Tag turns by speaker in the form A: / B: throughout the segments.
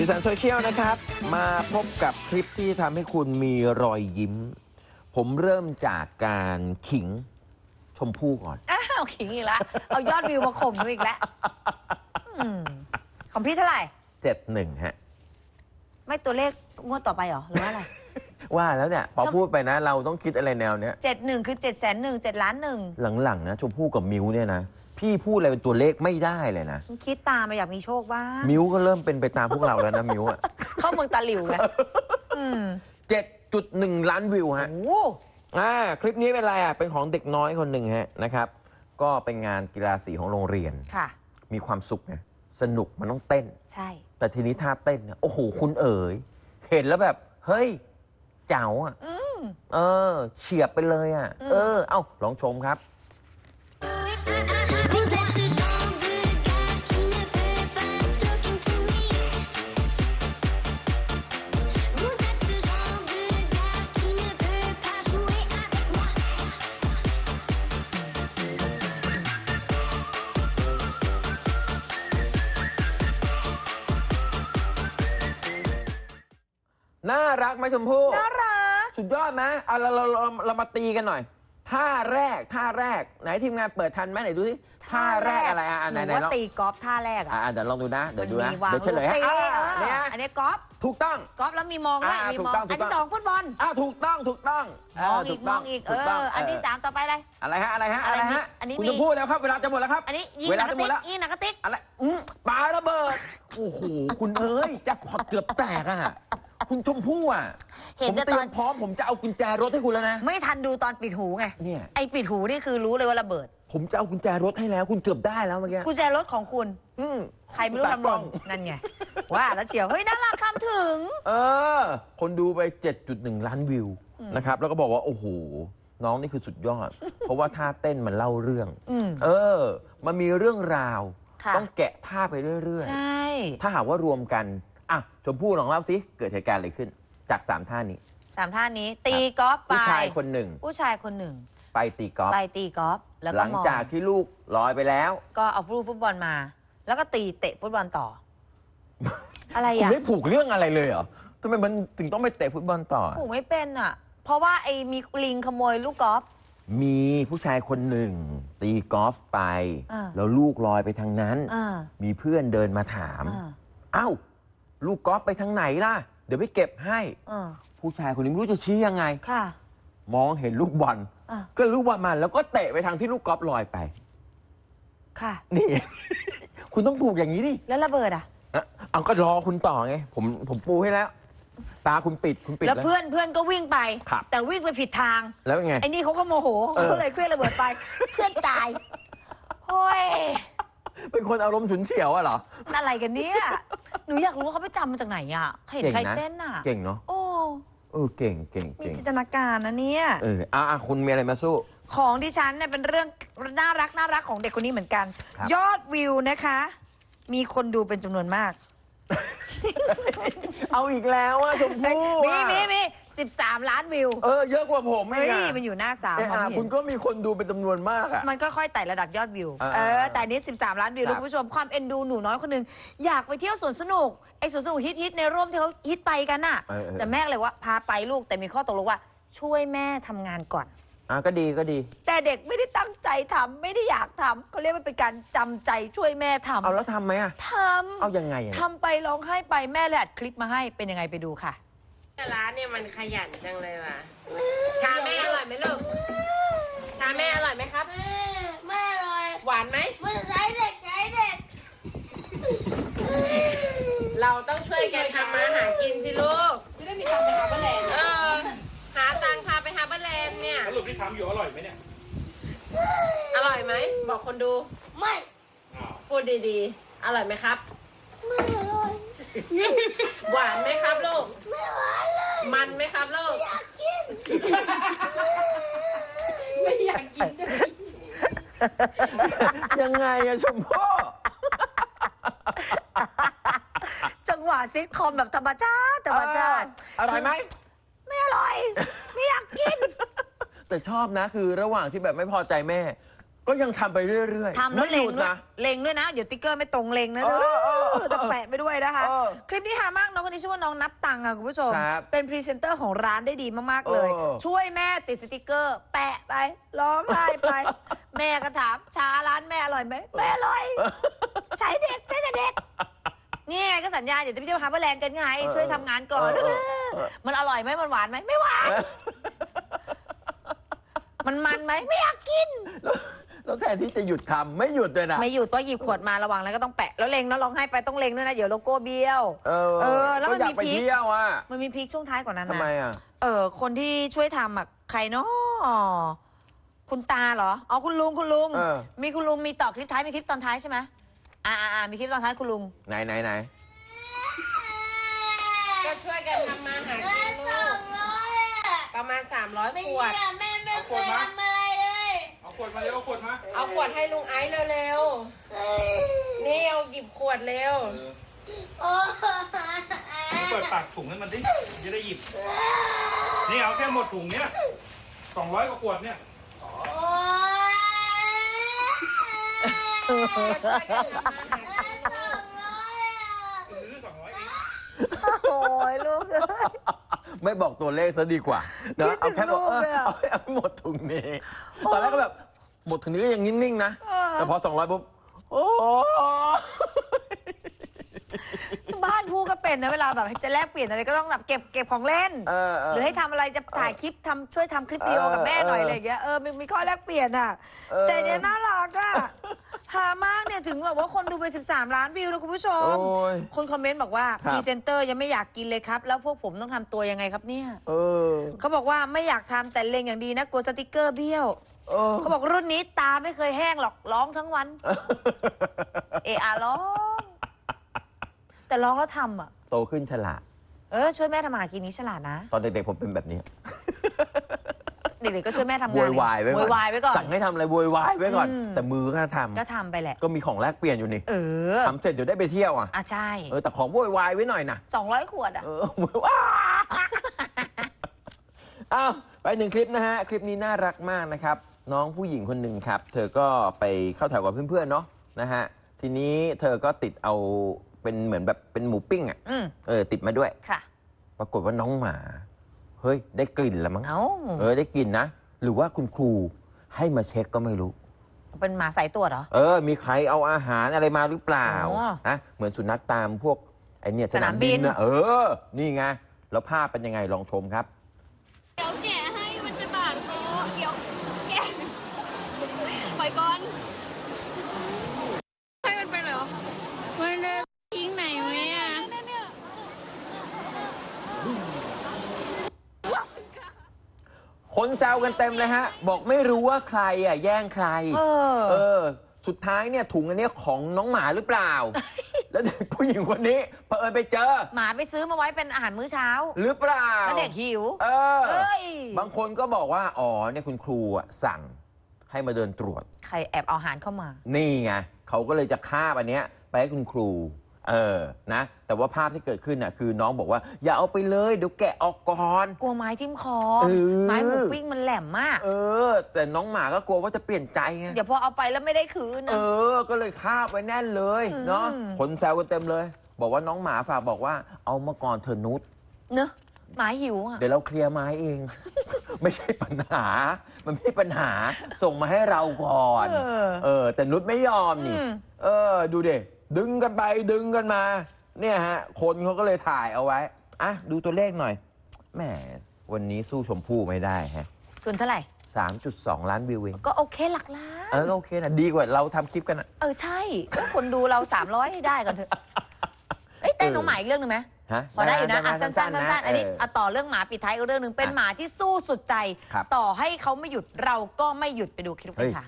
A: สันโซเชียลนะครับมาพบกับคลิปที่ทำให้คุณมีรอยยิ้มผมเริ่มจากการขิงชมพู่ก่อน
B: อ้าวขิงอีกแล้วเอายอดวิวมาข่มด้วยอีกแล้วของพี่เท่าไหร่
A: 71ฮะ
B: ไม่ตัวเลขงวดต่อไปหรอหรือว่าอะไร
A: ว่าแล้วเนี่ยพอพูดไปนะเราต้องคิดอะไรแนวเนี้ย
B: 71คือ700,001 7,100,000
A: หลังๆนะชมพู่กับมิวเนี่ยนะพี่พูดอะไรเป็นตัวเลขไม่ได้เลยนะ
B: คิดตามมาอยากมีโชคบ้าง
A: มิวก็เริ่มเป็นไปตามพวกเราแล้วนะมิวอะ
B: เข้าเมืองตาหลิวไง
A: 7.1 ล้านวิวฮะคลิปนี้เป็นอะไรอ่ะเป็นของเด็กน้อยคนหนึ่งฮะนะครับก็เป็นงานกีฬาสีของโรงเรียน
B: ค่ะ
A: มีความสุขไงสนุกมันต้องเต้น
B: ใช่
A: แต่ทีนี้ท่าเต้นโอ้โหคุณเอ๋ยเห็นแล้วแบบเฮ้ยเจ๋วอ่ะเฉียบไปเลยอ่ะเอ้าลองชมครับน่ารักไหมชมพู่
B: น่ารัก
A: สุดยอดไหมเรามาตีกันหน่อยท่าแรกไหนทีมงานเปิดทันไหมไหนดูสิท่าแรกอะไร
B: ไหนว่าตีกอล์ฟท่าแรก
A: เดี๋ยวลองดูนะเดี๋ยวเฉลย
B: ให้
A: เนี่ย
B: อันนี้กอล์ฟ
A: ถูกต้อง
B: กอล์ฟแล้วมีมองด้วยมีมองอันที่2ฟุตบอล
A: ถูกต้อง
B: มองอีกอันที่3ต่อไปอะไร
A: ฮะ
B: อันนี้
A: คุณจะพูดแล้วครับเวลาจะหมดแล้วครับ
B: อันนี้ยิงหนักกระติก
A: อะไรปาระเบิดโอ้โหคุณเอ้ยแจ็คพอตเกือบแตกอ่ะคุณชมพู่อ่ะผมเตรียมพร้อมผมจะเอากุญแจรถให้คุณแล้วนะ
B: ไม่ทันดูตอนปิดหูไง
A: เนี่ย
B: ไอ้ปิดหูนี่คือรู้เลยว่าระเบิด
A: ผมจะเอากุญแจรถให้แล้วคุณเกือบได้แล้วเมื่อกี้
B: กุญแจรถของคุณใครไม่รู้ทำหล่นนั่นไงว่าแล้วเฉียวเฮ้ยน่ารักคำถึง
A: คนดูไป 7.1 ล้านวิวนะครับแล้วก็บอกว่าโอ้โหน้องนี่คือสุดยอดเพราะว่าท่าเต้นมันเล่าเรื่องมันมีเรื่องราวต้องแกะท่าไปเรื่อย
B: ๆใช่
A: ถ้าหากว่ารวมกันชมพู่ลองเล่าสิเกิดเหตุการณ์อะไรขึ้นจาก3ท่านี้
B: ตีกอล์ฟไป
A: ผู้ชายคนหนึ่งไปตีกอล์ฟ
B: แล้ว
A: หลังจากที่ลูกลอยไปแล้ว
B: ก็เอาฟุตบอลมาแล้วก็เตะฟุตบอลต่ออะไร
A: คุณไม่ผูกเรื่องอะไรเลยเหรอทำไมมันถึงต้องไปเตะฟุตบอลต่อ
B: ผูกไม่เป็นเพราะว่ามีลิงขโมยลูกกอล์ฟ
A: มีผู้ชายคนหนึ่งตีกอล์ฟไปแล้วลูกลอยไปทางนั้นมีเพื่อนเดินมาถามลูกกอล์ฟไปทางไหนล่ะเดี๋ยวไปเก็บให้ผู้ชายคนนี้ไม่รู้จะชี้ยังไงมองเห็นลูกบอลก็ลูกบอลมาแล้วก็เตะไปทางที่ลูกกอล์ฟลอยไปนี่ คุณต้องผูกอย่างนี้ดิ
B: แล้วระเบิด
A: เอาก็รอคุณต่อไงผมปูให้แล้วตาคุณปิด
B: แล้วเพื่อนก็วิ่งไปแต่วิ่งไปผิดทาง
A: แล้วไง
B: ไอ้นี่เขาก็โมโหเขาเลยเคลื่อนระเบิดไปเพื่อนตายโอ้ย
A: เป็นคนอารมณ์ฉุนเฉียวเหรอ
B: อะไรกันเนี่ยหนูอยากรู้ว่าเขาไปจำมาจากไหนเห็นใครเต้น
A: เก่งเนาะเก่ง
B: มีจินตนาการนะเนี่ย
A: คุณมีอะไรมาสู้
B: ของดิฉันเนี่ยเป็นเรื่องน่ารักของเด็กคนนี้เหมือนกันยอดวิวนะคะมีคนดูเป็นจำนวนมาก
A: เอาอีกแล้วชมพู่
B: มี13 ล้านวิว
A: เยอะกว่าผม
B: มันอยู่หน้า3
A: คุณก็มีคนดูเป็นจำนวนมาก
B: มันก็ค่อยไต่ระดับยอดวิวแต่นี้13 ล้านวิวคุณผู้ชมความเอ็นดูหนูน้อยคนนึงอยากไปเที่ยวสวนสนุกไอ้สวนสนุกฮิตในร่มที่เขาฮิตไปกันแต่แม่เลยว่าพาไปลูกแต่มีข้อตกลงว่าช่วยแม่ทำงานก่อน
A: ก็ดี
B: แต่เด็กไม่ได้ตั้งใจทำไม่ได้อยากทำเขาเรียกว่าเป็นการจำใจช่วยแม่ทำ
A: เอาแล้วทำไหม
B: ทำ
A: เอายังไง
B: ทำไปร้องไห้ไปแม่เลยอัดคลิปมาให้เป็นยังไงไปดูค่ะ
C: ร้านเนี่ยมันขยันจังเลยว่ะชาแม่อร่อยไหมลูกชาแม่อร่อยไหมครับ
D: ไม่อร่อย
C: หวานไหม
D: ไม่ใช่เด็ก
C: เราต้องช่วยกันทำมาหากินสิลูก
D: จะได้มีตังค์ไปหาบ้านแลนด์
C: หาตังค์พาไปหาบ้านแลนด์เนี่ย
E: สรุปที่ทำอยู่อร่อยไหมเนี่ย
C: อร่อยไหมบอกคนดู
D: ไม่
C: พูดดีๆอร่อยไหมครับ
D: ไม่อร่อย
C: หวานไหมครับลูก
D: ไม่หวานเลย
C: มันไหมครับลูก
D: อยากกิน
C: ไม่อยากกิน
A: ยังไงชมพู่
B: จังหวะซิทคอมแบบธรรมชาติ
A: อร่อยไหม
B: ไม่อร่อยไม่อยากกิน
A: แต่ชอบนะคือระหว่างที่แบบไม่พอใจแม่ก็ยังทำไปเรื่อยๆ
B: ทำแล้ว
A: ไม่
B: เล็
A: ห
B: ง
A: ยุด
B: ด้วย
A: นะ
B: เล็งด้วยนะ เดี๋ยวติ๊กเกอร์ไม่ตรงเล็งนะแต่แปะไปด้วยนะคะ คลิปนี้หามากน้องคนนี้ชื่อว่าน้องนับตังค์ค่ะคุณผู้ชม เป็นพรีเซนเตอร์ของร้านได้ดีมากๆเลย ช่วยแม่ติดสติกเกอร์ แปะไปร้องไห้ไป แม่ก็ถามชาร้านแม่อร่อยไหมแม่อร่อย ใช้เด็กใช้แต่เด็กนี่ไงก็สัญญาเดี๋ยวจะไปเที่ยวฮาร์เบอร์แลนด์กันไงช่วยทำงานก่อนมันอร่อยไหมมันหวานไหมไม่หวานมันไหมไม่อยากกิน
A: แล้วแทนที่จะหยุดทำไม่หยุดเลยนะ
B: ไม่หยุดก็หยิบขวดมาระวังแล้วก็ต้องแปะแล้วเล็งแล้วร้องไห้ไปต้องเล็งด้วยนะเดี๋ยวโลโก้เบี้ยวแล้วมันมีพีคมันมีพีคช่วงท้ายกว่านั้นนะ
A: ทำไมอ่ะ
B: คนที่ช่วยทำอ่ะใครเนาะคุณตาเหรออ๋อคุณลุงมีคุณลุงมีต่อคลิปท้ายมีคลิปตอนท้ายใช่ไหมมีคลิปตอนท้ายคุณลุง
A: ไหน
C: ก็ช่วยกันทำมาหากินลูกประมาณ300 ขวด
D: แม่ไม่เคยทำอะไรเลย
E: เอาขวดมาเร็วเอาขวดมา
C: เอาขวดให้ลุงไอซ์เร็วๆนี่เอาหยิบขวดเร็ว
E: เปิดปากถุงให้มันดิจะได้หยิบนี่เอาแค่หมดถุงเนี้ย200 กว่าขวดเนี่ย
C: ช่วยกันทำมาหากิน
E: 200 เอง
B: โอ้ยลูก
A: ไม่บอกตัวเลขซะดีกว่านะเอาแค่บอกเอาหมดถุงนี้ตอนแรกก็แบบหมดถุงนี้ก็ยังนิ่งๆนะแต่พอ200ปุ๊บโอ้
B: บ้านพูดก็เป็นนะเวลาแบบจะแลกเปลี่ยนอะไรก็ต้องแบบเก็บของเล่นหรือให้ทำอะไรจะถ่ายคลิปช่วยทำคลิปวิดีโอกับแม่หน่อยอะไรอย่างเงี้ยมีข้อแลกเปลี่ยนอ่ะแต่เนี้ยน่ารักอ่ะหามากเนี่ยถึงแบบว่าคนดูไป13 ล้านวิวแล้วคุณผู้ชมคนคอมเมนต์บอกว่าพรีเซนเตอร์ยังไม่อยากกินเลยครับแล้วพวกผมต้องทำตัวยังไงครับเนี่ยเขาบอกว่าไม่อยากทำแต่เล็งอย่างดีนะกลัวสติกเกอร์เบี้ยวเขาบอกรุ่นนี้ตาไม่เคยแห้งหรอกร้องทั้งวันร้องแต่ร้องแล้วทำอ่ะ
A: โตขึ้นฉลาด
B: ช่วยแม่ทำอาหารกินนี้ฉลาดนะ
A: ตอนเด็กๆผมเป็นแบบนี้
B: เด็กๆก็ช่วยแม่ทำงาน
A: โวยวายไว้ก่อนสั่งให้ทำอะไรโวยวายไว้ก่อนแต่มือก็ทำ
B: ไปแหละ
A: ก็มีของแลกเปลี่ยนอยู่นี่ทำเสร็จเดี๋ยวได้ไปเที่ยวอ่ะ
B: ใช่
A: แต่ของโวยวายไว้หน่อยนะ
B: 200 ขวดอ่ะ
A: อ้าวไป1 คลิปนะฮะคลิปนี้น่ารักมากนะครับน้องผู้หญิงคนหนึ่งครับเธอก็ไปเข้าแถวกับเพื่อนๆเนาะนะฮะทีนี้เธอก็ติดเอาเป็นเหมือนแบบเป็นหมูปิ้งอ่ะติดมาด้วย
B: ค่ะ
A: ปรากฏว่าน้องหมาเฮ้ยได้กลิ่นแล้วมั้งได้กลิ่นนะหรือว่าคุณครูให้มาเช็คก็ไม่รู้
B: เป็นหมาสายตรวจเหรอ
A: มีใครเอาอาหารอะไรมาหรือเปล่านะเหมือนสุนัขตามพวกไอเนี่ยสนามบินนะนี่ไงแล้วภาพเป็นยังไงลองชมครับ
D: เดี๋ยวแกะให้มันจะบาดคอเดี๋ยวแกะปล่อยก่อนให้มันไปเหรอมันจะทิ้งไหนไหมอ่ะ
A: คนแซวกันเต็มเลยฮะบอกไม่รู้ว่าใครแย่งใครสุดท้ายเนี่ยถุงอันนี้ของน้องหมาหรือเปล่า แล้วเด็กผู้หญิงคนนี้เผอิญไปเจอ
B: หมาไปซื้อมาไว้เป็นอาหารมื้อเช้า
A: หรือเปล่า
B: แล้วเด็กหิว
A: บางคนก็บอกว่าเนี่ยคุณครูสั่งให้มาเดินตรวจ
B: ใครแอบเอาอาหารเข้ามา
A: นี่ไงเขาก็เลยจะคาบอันเนี้ยไปให้คุณครูนะแต่ว่าภาพที่เกิดขึ้นน่ะคือน้องบอกว่าอย่าเอาไปเลยเดี๋ยวแกะออกก่อน
B: กลัวไม้ทิ่มคอไม้หมูปิ้งมันแหลมมาก
A: แต่น้องหมาก็กลัวว่าจะเปลี่ยนใจไง
B: เดี๋ยวพอเอาไปแล้วไม่ได้คืนนะ
A: ก็เลยคาบไว้แน่นเลยเนาะคนแซวกันเต็มเลยบอกว่าน้องหมาฝากบอกว่าเอามาก่อนเธอนุช
B: เนอะหมาหิวอ่ะ
A: เดี๋ยวเราเคลียร์ไม้เอง ไม่ใช่ปัญหามันไม่ใช่ปัญหาส่งมาให้เราก่อนแต่นุชไม่ยอมนี่ดูดิดึงกันไปดึงกันมาเนี่ยฮะคนเขาก็เลยถ่ายเอาไว้ดูตัวเลขหน่อยแหมวันนี้สู้ชมพู่ไม่ได้ฮะ
B: คุณเท่าไหร่
A: 3.2 ล้านวิวเอง
B: ก็โอเคหลักล้าน
A: ก็โอเคนะดีกว่าเราทำคลิปกันอ่ะ
B: ใช่คนดูเรา300ให้ได้ก่อนเถอะแต่น้องหมาอีกเรื่องนึงไหมพอได้อยู่นะสั้นๆอันนี้ต่อเรื่องหมาปิดท้ายอีกเรื่องนึงเป็นหมาที่สู้สุดใจต่อให้เขาไม่หยุดเราก็ไม่หยุดไปดูคลิปกันค่ะ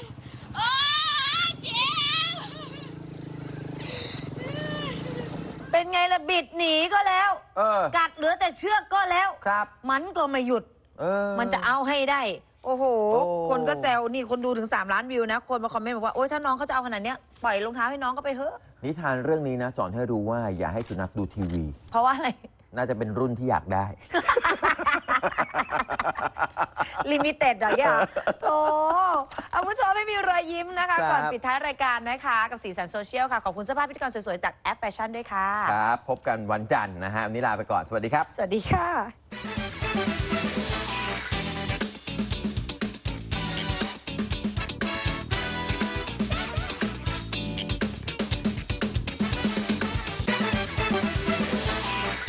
B: เเป็นไงล่ะบิดหนีก็แล้ว กัดเหลือแต่เชือกก็แล้ว
A: ครับ
B: มันก็ไม่หยุด มันจะเอาให้ได้ โอ้โห คนก็แซวนี่คนดูถึง3 ล้านวิวนะ คนมาคอมเมนต์บอกว่าโอ๊ยถ้าน้องเขาจะเอาขนาดเนี้ยปล่อยรองเท้าให้น้องก็ไปเถอะ
A: นิทานเรื่องนี้นะสอนให้รู้ว่าอย่าให้สุนัขดูทีวี
B: เพราะว่าอะไร
A: น่าจะเป็นรุ่นที่อยากได้
B: ลิมิเต็ดเหรอเนี่ยโธ่เอาผู้ชมไม่มีรอยยิ้มนะคะ
A: ครับ
B: ก่อนปิดท้ายรายการนะคะ กับสีสันโซเชียลค่ะ ขอบคุณเสื้อผ้าพิธีกรสวยๆ จากแอปแฟชั่นด้วยค่ะ
A: ครับ พบกันวันจันทร์นะฮะวันนี้ลาไปก่อน สวัสดีครับ
B: สวัสดีค่ะ